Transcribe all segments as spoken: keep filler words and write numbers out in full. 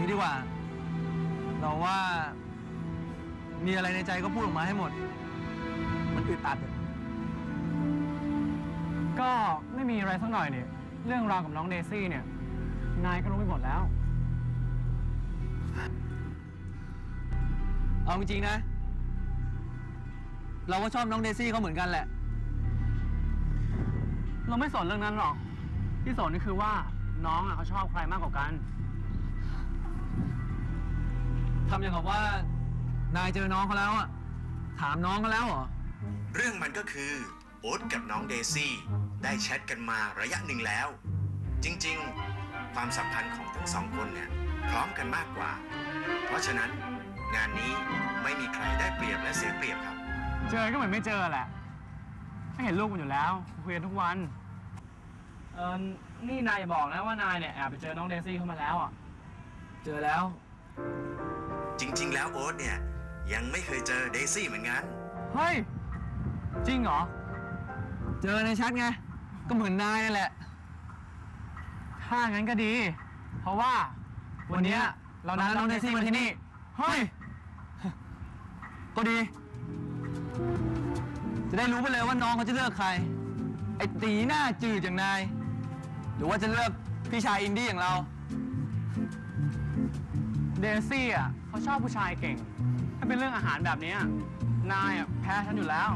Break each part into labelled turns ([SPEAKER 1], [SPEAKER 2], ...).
[SPEAKER 1] ดีกว่าเราว่ามีอะไรในใจก็พูดออกมาให้หมดมันอึดอัด
[SPEAKER 2] ก็ไม่มีอะไรสักหน่อยเนี่ยเรื่องราวกับน้องเดซี่เนี่ยนายก็รู้ไปหมดแล้ว
[SPEAKER 1] เอาจริงๆนะเราก็ชอบน้องเดซี่เขาเหมือนกันแหละ
[SPEAKER 2] เราไม่สนเรื่องนั้นหรอกที่สนนี่คือว่าน้องอ่ะเขาชอบใครมากกว่ากัน
[SPEAKER 1] ทำอย่างกับว่านายเจอน้องเขาแล้วอ่ะถามน้องเขาแล้วเหรอ
[SPEAKER 3] เรื่องมันก็คือโอ๊ตกับน้องเดซี่ได้แชทกันมาระยะหนึ่งแล้วจริงๆความสัมพันธ์ของทั้งสองคนเนี่ยพร้อมกันมากกว่าเพราะฉะนั้นงานนี้ไม่มีใครได้เปรียบและเสียเปรียบครับ
[SPEAKER 2] เจอก็เหมือนไม่เจอแหละไม่เห็นลูกมันอยู่แล้วคุยกันทุกวันเออนี่นายบอกนะว่านายเนี่ยแอบไปเจอน้องเดซี่เข้ามาแล้วอ่ะ
[SPEAKER 1] เจอแล้ว
[SPEAKER 3] จริงๆแล้วโอ๊ตเนี่ยยังไม่เคยเจอเดซี่เหมือนกัน
[SPEAKER 2] เฮ้ยจริงเหรอ
[SPEAKER 1] เจอในแชทไงก็เหมือนนายนั่นแหละ
[SPEAKER 2] ถ้างั้นก็ดีเพราะว่าวันนี้เรานัดน้องเดซี่มาที่นี่เฮ้ย
[SPEAKER 1] ก็ดีจะได้รู้ไปเลยว่าน้องเขาจะเลือกใครไอ้ตีหน้าจืดอย่างนายหรือว่าจะเลือกพี่ชายอินดี้อย่างเรา
[SPEAKER 2] เดซี่อ่ะเขาชอบผู้ชายเก่งถ้าเป็นเรื่องอาหารแบบนี้นายอ่ะแพ้ฉันอยู่แล้ว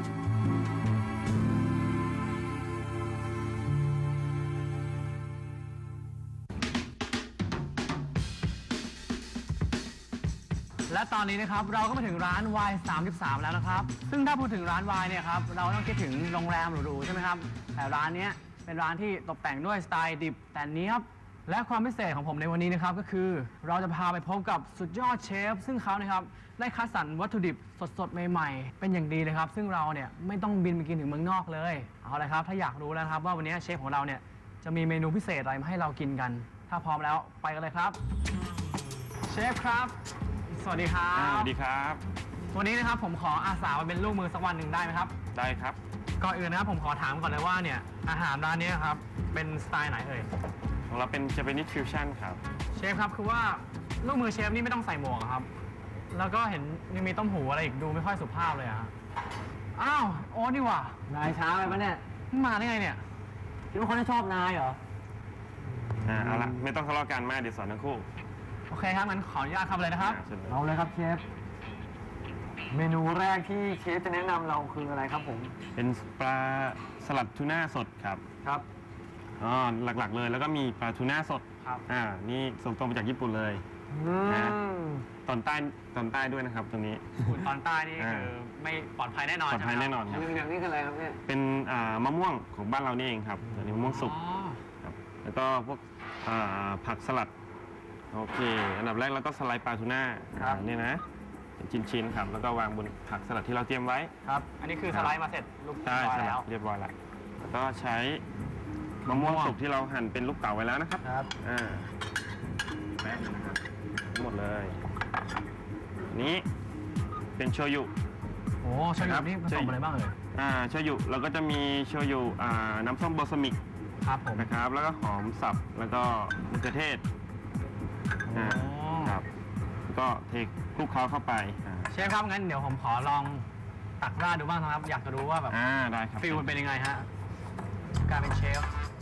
[SPEAKER 2] และตอนนี้นะครับเราก็มาถึงร้าน วาย สามสิบสาม แล้วนะครับซึ่งถ้าพูดถึงร้านวายเนี่ยครับเราต้องคิดถึงโรงแรมหรูๆใช่ไหมครับแต่ร้านนี้เป็นร้านที่ตกแต่งด้วยสไตล์ดิบแต่เนี้ยบและความพิเศษของผมในวันนี้นะครับก็คือเราจะพาไปพบกับสุดยอดเชฟซึ่งเขานะครับได้คัดสรรวัตถุดิบสดๆใหม่ๆเป็นอย่างดีเลยครับซึ่งเราเนี่ยไม่ต้องบินไปกินถึงเมืองนอกเลยเอาเลยครับถ้าอยากรู้แล้วครับว่าวันนี้เชฟของเราเนี่ยจะมีเมนูพิเศษอะไรมาให้เรากินกันถ้าพร้อมแล้วไปกันเลยครับเชฟครับสวัสดีครับ
[SPEAKER 4] สวัสดีครับ
[SPEAKER 2] วันนี้นะครับผมขออาสามาเป็นลูกมือสักวันหนึ่งได้ไหมครับ
[SPEAKER 4] ได้ครับ
[SPEAKER 2] ก่อนอื่นนะครับผมขอถามก่อนเลยว่าเนี่ยอาหารร้านนี้ครับเป็นสไตล์ไหนเอ่ย
[SPEAKER 4] ของเราเป็น Japanese fusion ครับ
[SPEAKER 2] เชฟครับคือว่าลูกมือเชฟนี่ไม่ต้องใส่หมวกครับแล้วก็เห็นยังมีต้มหูอะไรอีกดูไม่ค่อยสุภาพเลยอะอ้าวโอ๊ตนี่หว่านายช้าไปปะเนี่ยมาได้ไงเนี่ยคิดว่าคนที่ชอบนายเหรอ
[SPEAKER 4] อ่าเอาละไม่ต้องทะเลาะกันมากเดี๋ยวสอนทั้งคู่
[SPEAKER 2] โอเคครับงั้นขออนุญาตทำเลยนะครับ
[SPEAKER 1] เอาเลยครับเชฟเมนูแรกที่เชฟจะแนะนำเราคืออะไรครับผม
[SPEAKER 4] เป็นปลาสลัดทูน่าสดครับ
[SPEAKER 2] ครับ
[SPEAKER 4] อ๋อหลักๆเลยแล้วก็มีปลาทูน่าสด
[SPEAKER 2] ครับ
[SPEAKER 4] อ่านี่ส่งตรงมาจากญี่ปุ่นเลยนะตอนใต้ตอนใต้ด้วยนะครับตรงนี้
[SPEAKER 2] ตอนใต้นี่คือไม่ปลอดภัยแน่นอน
[SPEAKER 4] ปลอดภัยแน่นอนครับ
[SPEAKER 1] อย่างนี้คืออะไรครับเนี่ย
[SPEAKER 4] เป็นอ่ามะม่วงของบ้านเรานี่เองครับอันนี้มะม่วงสุกครับแล้วก็พวกอ่าผักสลัดโอเคอันดับแรกเราก็สไลด์ปลาทูน่าเนี่ยนะชิ้นๆครับแล้วก็วางบนผักสลัดที่เราเตรียมไว้
[SPEAKER 2] ครับอันนี้คือสไลด์มาเสร็จลูก
[SPEAKER 4] ใช่แล้วเรียบร้อยแล้วแล้วก็ใช้มะม่วงสุกที่เราหั่นเป็นลูกเต๋าไว้แล้วนะครับ
[SPEAKER 2] ครับ
[SPEAKER 4] อ่าแป้งนะครับหมดเลยนี้เป็นโชยุ
[SPEAKER 2] โอ้โชยุนี่ผสมอะไรบ้างเอ่ย
[SPEAKER 4] อ่าโชยุเราก็จะมีโชยุอ่าน้ำส้มบอสมิก
[SPEAKER 2] ครับผม
[SPEAKER 4] นะครับแล้วก็หอมสับแล้วก็มะเขือเทศ
[SPEAKER 2] อ่า
[SPEAKER 4] ครับก็เทคลุกเคล้าเข้าไป
[SPEAKER 2] เชฟครับงั้นเดี๋ยวผมขอลองตักราดดูบ้างครับอยากจะรู้ว่าแบบ
[SPEAKER 4] อ่าได้ครับ
[SPEAKER 2] ฟิลมันเป็นยังไงฮะการเป็นเชฟ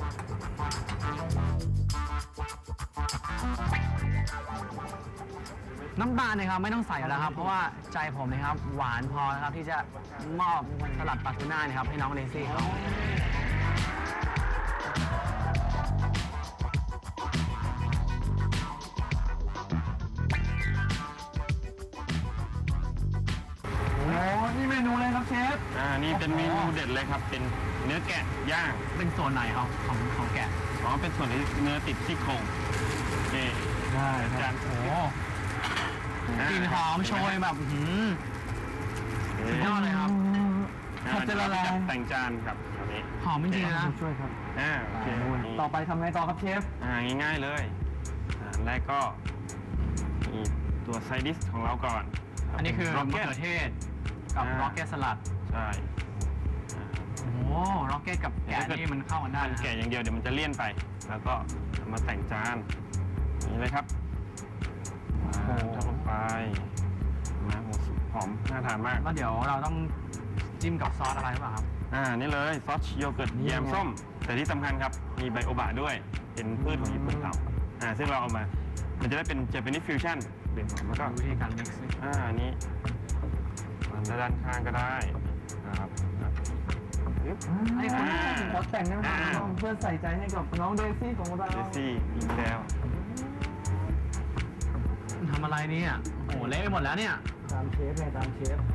[SPEAKER 2] น้ำตาลนะครับไม่ต้องใส่แล้วครับเพราะว่าใจผมนะครับหวานพอนะครับที่จะมอบสลัดปลาทูน่านะครับให้น้องเดซี่เขานี่เมนูเลยครับเชฟ
[SPEAKER 4] อ่านี่เป็นเมนูเด็ดเลยครับเป็นเนื้อแกะย่าง
[SPEAKER 2] เป็นส่วนไหนครับของของแกะ
[SPEAKER 4] อ๋อเป็นส่วนที่เนื้อติดซี่โครงนี่
[SPEAKER 2] ได้จานโอ้กลิ่นหอมโชยแบบหืมสุดยอดเลยครับ
[SPEAKER 4] เขาจะละลายแต่งจานครับอันนี้
[SPEAKER 2] หอมจริงๆนะ
[SPEAKER 1] ช่วยครับ
[SPEAKER 4] อ่าโอเค
[SPEAKER 1] ต่อไปทำไงต่อครับเชฟ
[SPEAKER 4] อ่าง่ายๆเลยอ่าแรกก็มีตัวไซดิสของเราก่อน
[SPEAKER 2] อันนี้คือมะเขือเทศกับร็อกเก็ตสลัด
[SPEAKER 4] ใช่
[SPEAKER 2] โอ้ร็อกเก็ตกับแกะนี่มันเข้ากันได้
[SPEAKER 4] แกะอย่างเดียวเดี๋ยวมันจะเลี่ยนไปแล้วก็มาแต่งจานนี่เลยครับอ่าทำลงไปนะหมูสุกหอมน่าทานมาก
[SPEAKER 2] แล้วเดี๋ยวเราต้องจิ้มกับซอสอะไรหรือเปล่าครับ
[SPEAKER 4] อ่า นี่เลยซอสโยเกิร์ตแยมส้ม แต่ที่สำคัญครับ มีไบโอบะด้วย เป็นพืชของญี่ปุ่นเขาอ่า ซึ่งเราเอามา มันจะได้เป็น Japanese fusion เปลี่ยนแล้วก็
[SPEAKER 2] วิธีการ mix นี่
[SPEAKER 4] อ่าอันนี้มันด้านข้างก็ได้นะครับอ่ะปึ๊บ
[SPEAKER 2] ไอ้คน
[SPEAKER 4] อ่า
[SPEAKER 1] ขอแต่งได้ไหมครับเพื่อใส่ใจให้กับน้องเดซี่ของเรา
[SPEAKER 4] เดซี่อีกแล้ว
[SPEAKER 2] ทำอะไรเนี่ยโอ้โหเละไปหมดแล้วเนี่ย
[SPEAKER 1] ตามเชฟไงตามเชฟ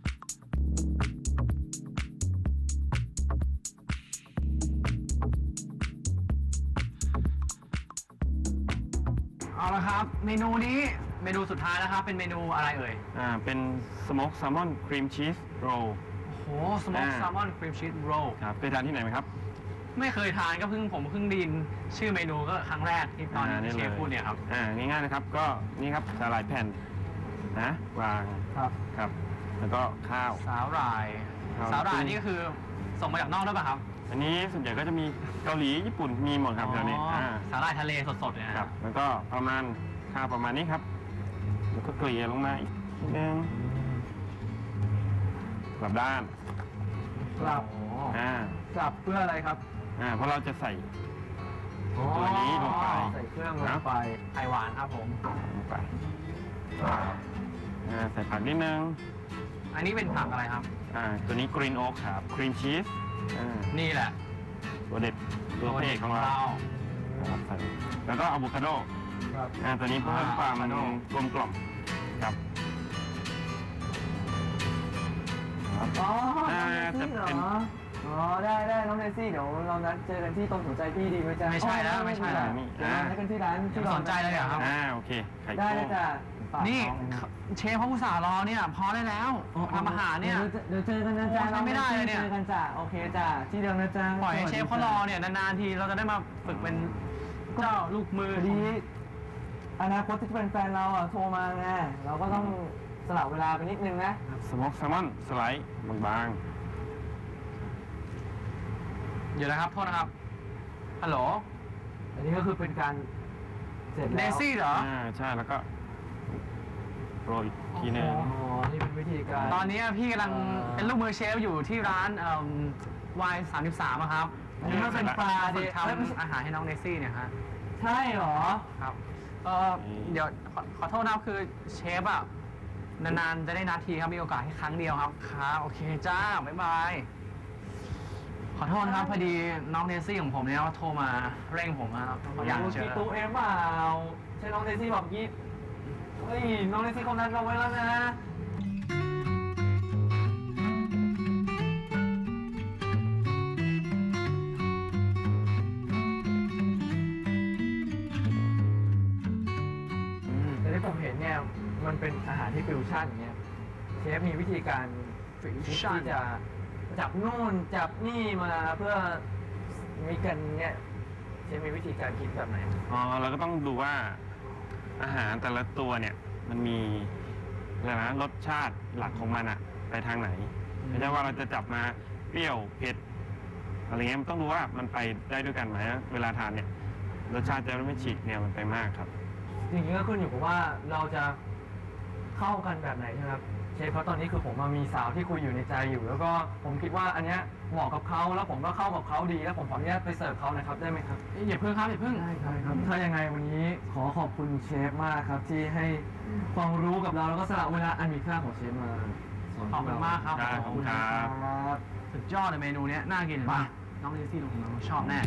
[SPEAKER 2] เอาละครับ เมนูนี้เมนูสุดท้ายแล้วครับ เป็นเมนูอะไรเอ่ย
[SPEAKER 4] อ่า เป็นสโมกแซลมอนครีมชีสโรล
[SPEAKER 2] โอ้โหสโมก
[SPEAKER 4] อ่า
[SPEAKER 2] แซลมอนครีมชีสโรล
[SPEAKER 4] ครับเคยทานที่ไหนไหมครับ
[SPEAKER 2] ไม่เคยทานก็เพิ่งผมเพิ่งไดยินชื่อเมนูก็ครั้งแรกที่ตอน
[SPEAKER 4] อ่านี่
[SPEAKER 2] เช
[SPEAKER 4] เลย
[SPEAKER 2] ฟพูดเนี่ยครับ
[SPEAKER 4] อ่า ง่ายๆนะครับ ก็นี่ครับสาหร่ายแผ่นนะ วาง
[SPEAKER 1] ครับ
[SPEAKER 4] ครับ แล้วก็ข้าว
[SPEAKER 2] สาหร่าย
[SPEAKER 4] ครับ
[SPEAKER 2] สาหร่ายนี่ก็คือส่งมาจากนอกด้วยป่ะครับ
[SPEAKER 4] อันนี้ส่วนใหญ่ก็จะมีเกาหลีญี่ปุ่นมีหมดครับแถวนี้
[SPEAKER 2] อ๋อ
[SPEAKER 4] อ่า
[SPEAKER 2] สาหร่ายทะเลสดๆเนี่ยนะ
[SPEAKER 4] ครับ แล้วก็ประมาณข้าวประมาณนี้ครับ แล้วก็เกลี่ยลงมาอีกนิดนึงกลับด้าน
[SPEAKER 1] กลับ
[SPEAKER 2] โอ้
[SPEAKER 4] อ่าก
[SPEAKER 1] ลับเพื่ออะไรครับ
[SPEAKER 4] อ่าเพราะเราจะใส่ ตัวนี้ลงไป
[SPEAKER 1] ใส่เครื่องลงไป
[SPEAKER 2] ไข่หวานครับผม
[SPEAKER 4] ลงไปอ่าใส่ผักนิดนึง
[SPEAKER 2] อันนี้เป็นผักอะไรครับ
[SPEAKER 4] อ่าตัวนี้กรีนโอ๊กครับครีมชีสอ่า
[SPEAKER 2] นี่แหละ
[SPEAKER 4] ตัวเด็ดตัวพระเอกของเราครับใส่แล้วก็อะโวคาโด
[SPEAKER 1] ครับ
[SPEAKER 4] อ่าตัวนี้เพิ่มความ
[SPEAKER 2] อะโวคาโด
[SPEAKER 4] กลมกล่อมครับ
[SPEAKER 1] อ๋อ
[SPEAKER 4] อ่า
[SPEAKER 1] น้องเดซี่เหร
[SPEAKER 4] จะเป็น
[SPEAKER 1] อ อ๋อ ได้ได้น้องเดซี่เดี๋ยวเรานัดเจอกันที่ตรงหัวใจพี่ดีไหมจ๊ะ
[SPEAKER 2] ไม่ใช่แล้วไม่ใช่แล้ว
[SPEAKER 1] เดี๋ยวเรานัดกันที่ร้าน
[SPEAKER 2] ยัง
[SPEAKER 1] ที่
[SPEAKER 2] สนใจเลยเหรอครับ
[SPEAKER 4] อ่าโอเคไข่
[SPEAKER 1] ได้
[SPEAKER 4] โก้
[SPEAKER 1] เลยจ้ะฝาก
[SPEAKER 2] นี่
[SPEAKER 1] องเลยะ
[SPEAKER 2] เชฟเขาอุตส่าห์รอเนี่ย พอได้แล้วทำอาหารเนี่ย
[SPEAKER 1] เดี๋ยวเจอกันนะจ๊ะ
[SPEAKER 2] โอ้ใช้ไม่ได้เลยเนี่ย
[SPEAKER 1] เจอกันจ้ะโอเคจ้ะที่เดิมนะจ๊ะ
[SPEAKER 2] ปล่อยให้เชฟเขารอเนี่ยนานๆทีเราจะได้มาฝึกเป็นเจ้าลูกมือ
[SPEAKER 1] พอดีอนาคตที่จะเป็นแฟนเราอ่ะโทรมาไงเราก็ต้องสละเวลาไปนิดนึงนะ
[SPEAKER 4] สโมกแซลมอนสไลด์บาง
[SPEAKER 2] เดี๋ยวนะครับ โทษนะครับ ฮัลโหล
[SPEAKER 1] อันนี้ก็คือเป็นการเสร็จ
[SPEAKER 2] เด
[SPEAKER 1] แล้ว
[SPEAKER 2] ซี่เหรอ
[SPEAKER 4] ๆอ่าใช่แล้วก็โรยอีกทีหนึง
[SPEAKER 2] โอ้
[SPEAKER 1] อ๋อนี่เป็นวิธีการ
[SPEAKER 2] ตอนนี้พี่กำลังเป็นลูกมือเชฟอยู่ที่ร้านวายสามสิบสามครับ
[SPEAKER 1] อันนี้ก็เป็นปลา
[SPEAKER 2] ฝึ
[SPEAKER 1] เด็
[SPEAKER 2] ก
[SPEAKER 1] กเอ้ยไม่ใช่
[SPEAKER 2] ทำอาหารให้น้องเดซี่เนี่ยฮะ
[SPEAKER 1] ใช่เหรอ
[SPEAKER 2] ครับเออเดี๋ยวขอขอโทษนะครับคือเชฟอ่ะนานๆจะได้นาทีครับมีโอกาสแค่ครั้งเดียวครับครับโอเคจ้าบ๊ายบายขอโทษนะครับพอดีน้องเดซี่ของผมเนี่ยโทรมาเร่งผมนะครับเขาอยากเจอ
[SPEAKER 1] ตู้เอ็มเปล่าใช่น้องเดซี่บอกยี่เฮ้ยน้องเดซี่เขานัดเราไว้แล้วนะแต่ที่ผมเห็นเนี่ยมันเป็นอาหารที่ฟิวชั่นอย่างเงี้ยเชฟมีวิธีการฟิวชั่นที่จะจับนู่นจับนี่มาเพื่อมีกันเนี่ยเชฟมีวิธีการคิดแบบไหน
[SPEAKER 4] อ๋อเราก็ต้องดูว่าอาหารแต่ละตัวเนี่ยมันมีอะไรนะรสชาติหลักของมันอะไปทางไหนไม่ใช่ว่าเราจะจับมาเปรี้ยวเผ็ดอะไรเงี้ยมันต้องดูว่ามันไปได้ด้วยกันไหมเวลาทานเนี่ยรสชาติจะไม่ฉีกแนวมันไปมากครับ
[SPEAKER 1] จริงๆก็ขึ้นอยู่กับว่าเราจะเข้ากันแบบไหนใช่ไหมครับเชฟเพราะตอนนี้คือผมมามีสาวที่คุยอยู่ในใจอยู่ แล้วก็ผมคิดว่าอันเนี้ยเหมาะกับเขาแล้วผมก็เข้ากับเขาดีแล้วผมขออนุญาตไปเสิร์ฟเขานะครับได้ไหมครับ
[SPEAKER 2] เอ้ยอย่าเพิ่งครับอย่าเพิ่ง
[SPEAKER 1] ได้ครับถ้ายังไงวันนี้ขอขอบคุณเชฟมากครับ ที่ให้ความรู้กับเราแล้วก็สละเวลาอันมีค่าของเชฟมาสอน
[SPEAKER 2] ขอบคุณมากครับ
[SPEAKER 4] ได้ขอบคุณครับ
[SPEAKER 1] ครับ
[SPEAKER 2] สุดยอดเลยเมนูเนี้ยน่ากินเห็นป่ะน้องเดซี่ลงมาชอบแน่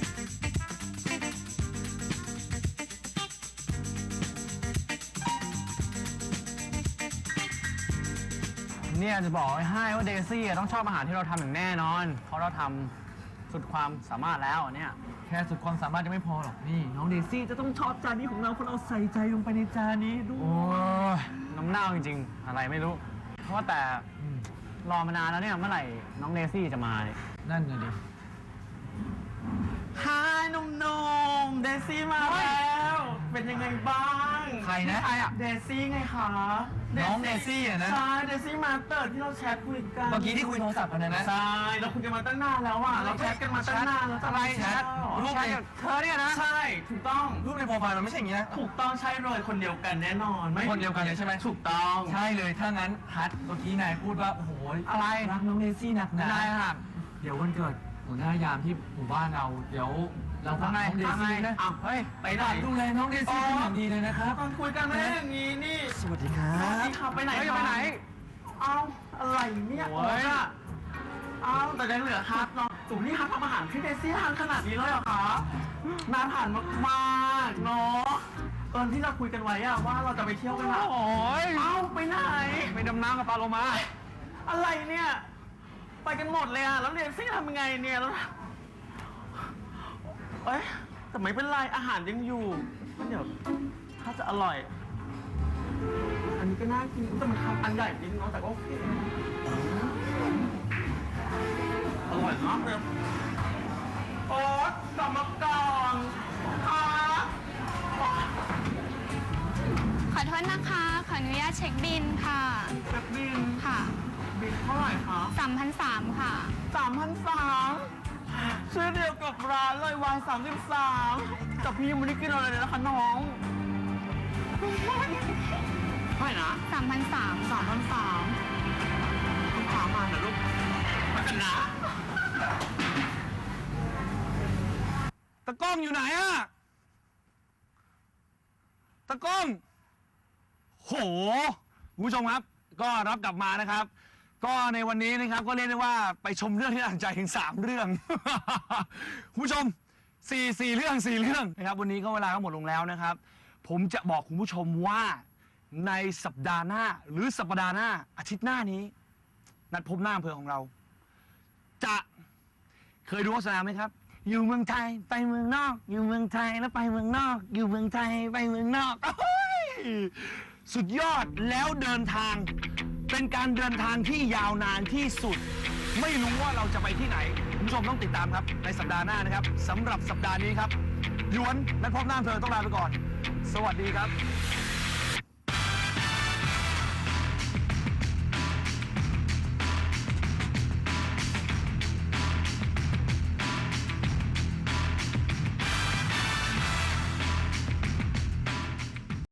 [SPEAKER 2] เนี่ยจะบอกไว้ให้ว่าเดซี่อะต้องชอบอาหารที่เราทำอย่างแน่นอน เพราะเราทำสุดความสามารถแล้วอันเนี่ย
[SPEAKER 1] แค่สุดความสามารถจะไม่พอหรอกนี่น้องเดซี่จะต้องชอบจานนี้ของเราเพราะเราใส่ใจลงไปในจานนี้ด้
[SPEAKER 2] โอ้
[SPEAKER 1] วย
[SPEAKER 2] ยน้ำเน่าจริงๆ อะไรไม่รู้ เพราะว่าแต่รอมานานแล้วเนี่ยเมื่อไหร่น้องเดซี่จะมาเนี่ย
[SPEAKER 1] นั่นไงดิ
[SPEAKER 2] ฮายหนุ่มๆเดซี่มาแล้ว
[SPEAKER 5] เป็นยังไงบ้าง
[SPEAKER 1] ใครนะ
[SPEAKER 2] ใครอ่ะ
[SPEAKER 5] เดซี่ไงคะ
[SPEAKER 1] น้องเดซี่อะนะ
[SPEAKER 5] ใช่เดซี่มาเตอร์ที่เราแชทคุยกัน
[SPEAKER 1] เมื่อกี้ที่คุยโทรศัพท์กันนะนะ
[SPEAKER 5] ใช่เราคุยกันมาตั้งนานแล้วอ่ะเราแชทกันมาตั้งนานแล้ว
[SPEAKER 2] อะไร
[SPEAKER 5] แช
[SPEAKER 2] แช
[SPEAKER 5] ท
[SPEAKER 2] ท
[SPEAKER 1] รู
[SPEAKER 2] รู
[SPEAKER 1] ป
[SPEAKER 2] ป
[SPEAKER 1] ใน
[SPEAKER 2] เธอเนี่ยนะ
[SPEAKER 5] ใช่ถูกต้อง
[SPEAKER 1] รูปในโปรไฟล์มันไม่ใช่อย่างนี้นะ
[SPEAKER 5] ถูกต้องใช่เลยคนเดียวกันแน่นอนไม่
[SPEAKER 1] คนเดียวกันเลยใช่ไหม
[SPEAKER 5] ถูกต้อง
[SPEAKER 1] ใช่เลยถ้างั้นฮัทเมื่อกี้นายพูดว่าโอ้โห
[SPEAKER 2] อะไร
[SPEAKER 1] รักน้องเดซี่หนักหนา
[SPEAKER 2] ได้ครับ
[SPEAKER 1] เดี๋ยววันเกิดหัวหน้ายามที่หมู่บ้านเรา เดี๋ยวเราฝากน้องเดซี่นะ
[SPEAKER 5] อ้าวเฮ้ยไปไหน
[SPEAKER 1] ฝากดูแลน้องเดซี่เป็นอย่างดีเลยนะครับ
[SPEAKER 5] ตอนคุยกันไม่ได้อย่างนี้นี่
[SPEAKER 1] สวัสดีครั
[SPEAKER 5] สวัส
[SPEAKER 1] บ
[SPEAKER 5] ดีค่ะไปไหน
[SPEAKER 2] เฮ้ย
[SPEAKER 5] คะ
[SPEAKER 2] ไปไหน
[SPEAKER 5] เอาอะไรเนี่ย
[SPEAKER 2] โอ้ย
[SPEAKER 5] อะเอาแต่ยังเหลือฮัทเนาะตู่นี่ฮัททำอาหารที่เดซี่ทานขนาดนี้เลยเหรอคะน่าทานมากๆเนาะตอนที่เราคุยกันไว้อะว่าเราจะไปเที่ยวกันอะ
[SPEAKER 2] โอ้ย
[SPEAKER 5] เอาไปไหน
[SPEAKER 2] ไปดำน้ำกับปลาโลมา
[SPEAKER 5] อะไรเนี่ย ไปกันหมดเลยอะแล้วเดซี่ทำยังไงเนี่ยแล้วเอ้ยแต่ไม่เป็นไรอาหารยังอยู่เดี๋ยวถ้าจะอร่อย อันนี้ก็น่ากินแต่มันทำอันใหญ่จริงเนาะแต่ก็โอเคอร่อยมากเลยโอ๊ตกลับมาก่อนค่ะ
[SPEAKER 6] ขอโทษนะคะ ขออนุญาตเช็คบินค่ะ
[SPEAKER 5] เช็คบิน
[SPEAKER 6] ค่ะ
[SPEAKER 5] บินเท่าไหร่คะ
[SPEAKER 6] สามพันสามค่ะ
[SPEAKER 5] สามพันสามชื่อเดียวกับร้านเลยวายสามสิบสามแต่พี่ยังไม่ได้กินอะไรเลยนะคะน้องเท่าไหร่นะ
[SPEAKER 6] สามพันสาม
[SPEAKER 5] สามพันสามต้องถามมาเหรอลูกมากันนะ
[SPEAKER 2] ตะกล้องอยู่ไหนอะตะกล้อง โหคุณผู้ชมครับ ก็รับกลับมานะครับ ก็ในวันนี้นะครับก็เรียกได้ว่าไปชมเรื่องที่น่าสนใจถึงสามเรื่อง คุณผู้ชมสี่สี่เรื่องสี่เรื่องนะครับ วันนี้ก็เวลาก็หมดลงแล้วนะครับ ผมจะบอกคุณผู้ชมว่าในสัปดาห์หน้าหรือสัปดาห์หน้าอาทิตย์หน้านี้ นัดพบหน้าอำเภอของเรา จะเคยดูโฆษณาไหมครับ อยู่เมืองไทยไปเมืองนอก อยู่เมืองไทยแล้วไปเมืองนอก อยู่เมืองไทยไปเมืองนอกโอ้ยสุดยอดแล้วเดินทาง เป็นการเดินทางที่ยาวนานที่สุด ไม่รู้ว่าเราจะไปที่ไหนคุณผู้ชมต้องติดตามครับในสัปดาห์หน้านะครับสำหรับสัปดาห์นี้ครับหยวนนัดพบหน้าอำเภอต้องลาไปก่อน สวัสดีครับ